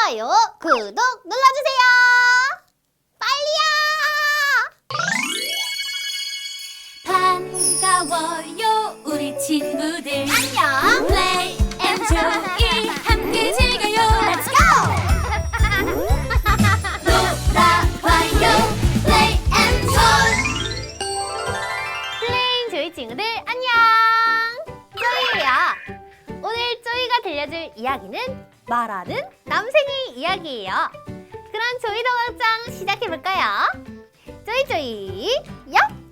좋아요, 구독 눌러주세요. 빨리요. 반가워요 우리 친구들. 안녕. 플레이 앤 조이 함께 즐겨요. Let's go. 놀아봐요 플레이 앤 조이. 플레잉 조이 친구들 안녕. 조이예요. 오늘 조이가 들려줄 이야기는 말하는 남생이 이야기예요. 그럼 조이 동화장 시작해볼까요? 조이 요!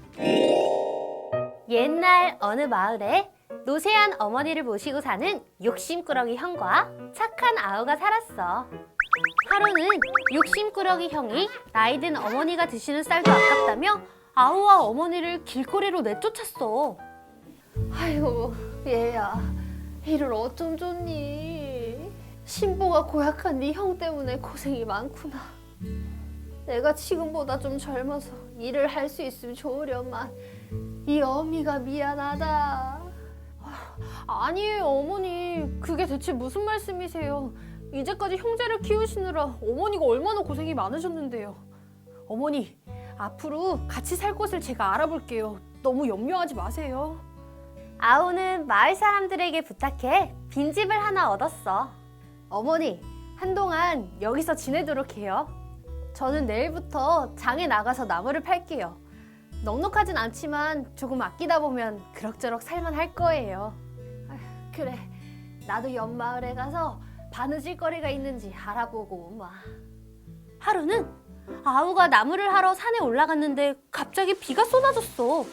옛날 어느 마을에 노쇠한 어머니를 모시고 사는 욕심꾸러기 형과 착한 아우가 살았어. 하루는 욕심꾸러기 형이 나이 든 어머니가 드시는 쌀도 아깝다며 아우와 어머니를 길거리로 내쫓았어. 아이고 얘야, 이를 어쩜 좋니? 신보가 고약한 네 형 때문에 고생이 많구나. 내가 지금보다 좀 젊어서 일을 할 수 있으면 좋으련만 이 어미가 미안하다. 아니에요, 어머니. 그게 대체 무슨 말씀이세요? 이제까지 형제를 키우시느라 어머니가 얼마나 고생이 많으셨는데요. 어머니, 앞으로 같이 살 곳을 제가 알아볼게요. 너무 염려하지 마세요. 아우는 마을 사람들에게 부탁해 빈집을 하나 얻었어. 어머니, 한동안 여기서 지내도록 해요. 저는 내일부터 장에 나가서 나무를 팔게요. 넉넉하진 않지만 조금 아끼다 보면 그럭저럭 살만 할 거예요. 그래, 나도 옆 마을에 가서 바느질 거리가 있는지 알아보고 오마. 하루는 아우가 나무를 하러 산에 올라갔는데 갑자기 비가 쏟아졌어.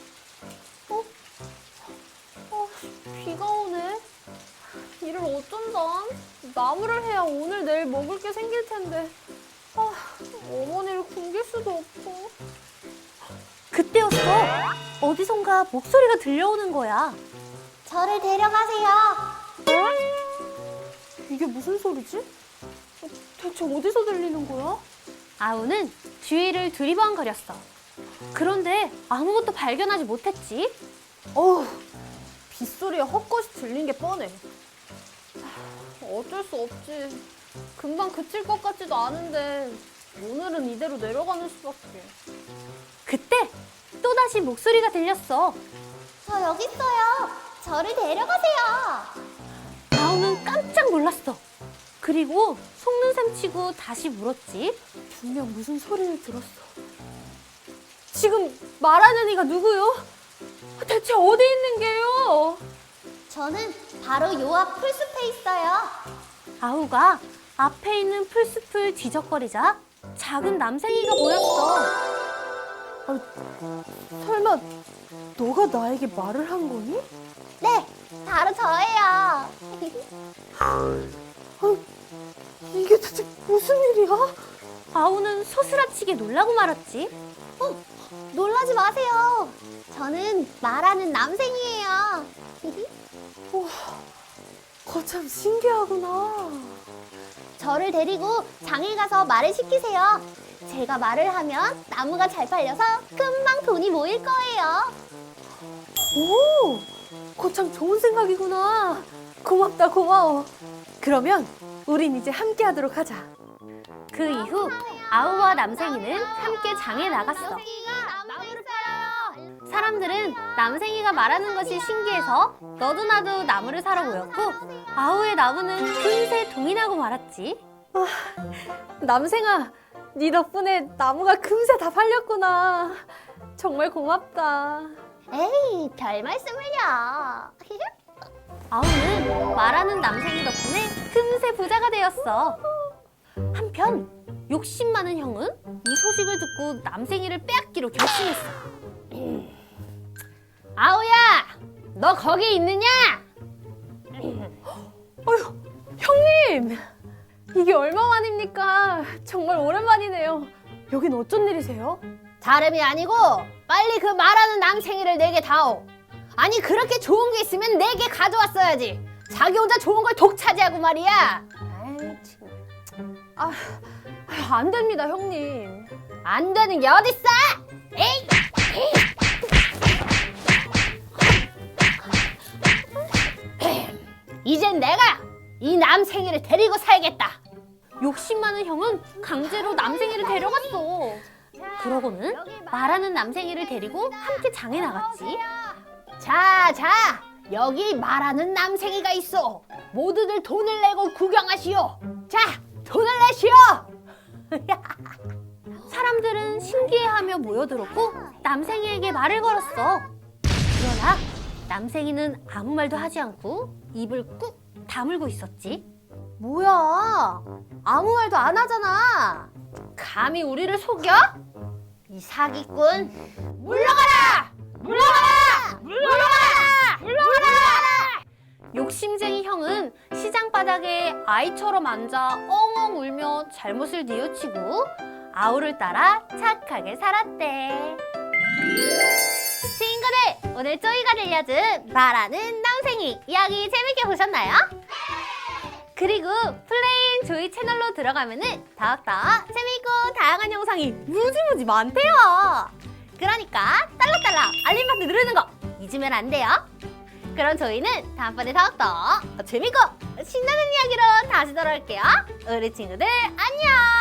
비가 오네. 일을 어쩐다. 나무를 해야 오늘 내일 먹을 게 생길 텐데. 어머니를 굶길 수도 없고. 그때였어. 어디선가 목소리가 들려오는 거야. 저를 데려가세요. 이게 무슨 소리지? 대체 어디서 들리는 거야? 아우는 주위를 두리번거렸어. 그런데 아무것도 발견하지 못했지. 어우, 빗소리에 헛것이 들린 게 뻔해. 어쩔 수 없지. 금방 그칠 것 같지도 않은데 오늘은 이대로 내려가는 수밖에. 그때 또다시 목소리가 들렸어. 저 여기 있어요. 저를 데려가세요. 아우는 깜짝 놀랐어. 그리고 속는 셈 치고 다시 물었지. 분명 무슨 소리를 들었어. 지금 말하는 이가 누구요? 대체 어디 있는 게요? 저는 바로 요 앞 풀숲에 있어요. 아우가 앞에 있는 풀숲을 뒤적거리자 작은 남생이가 보였어. 설마 너가 나에게 말을 한 거니? 네, 바로 저예요. 이게 대체 무슨 일이야? 아우는 소스라치게 놀라고 말았지. 놀라지 마세요. 저는 말하는 남생이에요. 거참 신기하구나. 저를 데리고 장에 가서 말을 시키세요. 제가 말을 하면 나무가 잘 팔려서 금방 돈이 모일 거예요. 오, 거참 좋은 생각이구나. 고맙다, 고마워. 그러면 우린 이제 함께 하도록 하자. 그 이후 아우와 남생이는 함께 장에 나갔어. 사람들은 남생이가 말하는 것이 신기해서 너도 나도 나무를 사러 모였고 아우의 나무는 금세 동이 나고 말았지. 남생아, 네 덕분에 나무가 금세 다 팔렸구나. 정말 고맙다. 에이, 별 말씀을요. 아우는 말하는 남생이 덕분에 금세 부자가 되었어. 한편 욕심 많은 형은 이 소식을 듣고 남생이를 빼앗기로 결심했어. 아우야, 너 거기 있느냐? 어휴, 형님! 이게 얼마만입니까? 정말 오랜만이네요. 여긴 어쩐 일이세요? 다름이 아니고 빨리 그 말하는 남생이를 내게 다오. 아니 그렇게 좋은 게 있으면 내게 가져왔어야지. 자기 혼자 좋은 걸 독차지하고 말이야. 안 됩니다, 형님. 안 되는 게 어딨어? 에이! 이젠 내가 이 남생이를 데리고 살겠다. 욕심 많은 형은 강제로 남생이를 데려갔어. 그러고는 말하는 남생이를 데리고 함께 장에 나갔지. 자, 여기 말하는 남생이가 있어. 모두들 돈을 내고 구경하시오. 자, 돈을 내시오. 사람들은 신기해하며 모여들었고 남생이에게 말을 걸었어. 그러나 남생이는 아무 말도 하지 않고 입을 꾹 다물고 있었지. 뭐야? 아무 말도 안 하잖아. 감히 우리를 속여? 이 사기꾼. 물러가라! 물러가라! 물러가라! 물러가라! 욕심쟁이 형은 시장 바닥에 아이처럼 앉아 엉엉 울며 잘못을 뉘우치고 아우를 따라 착하게 살았대. 친구들, 오늘 쪼이가 들려준 말하는 남생이 이야기 재밌게 보셨나요? 그리고 플레잉 조이 채널로 들어가면은 더욱더 재밌고 다양한 영상이 무지무지 많대요. 그러니까 딸랑딸랑 알림 버튼 누르는 거 잊으면 안 돼요. 그럼 저희는 다음번에 더욱더 재밌고 신나는 이야기로 다시 돌아올게요. 우리 친구들 안녕!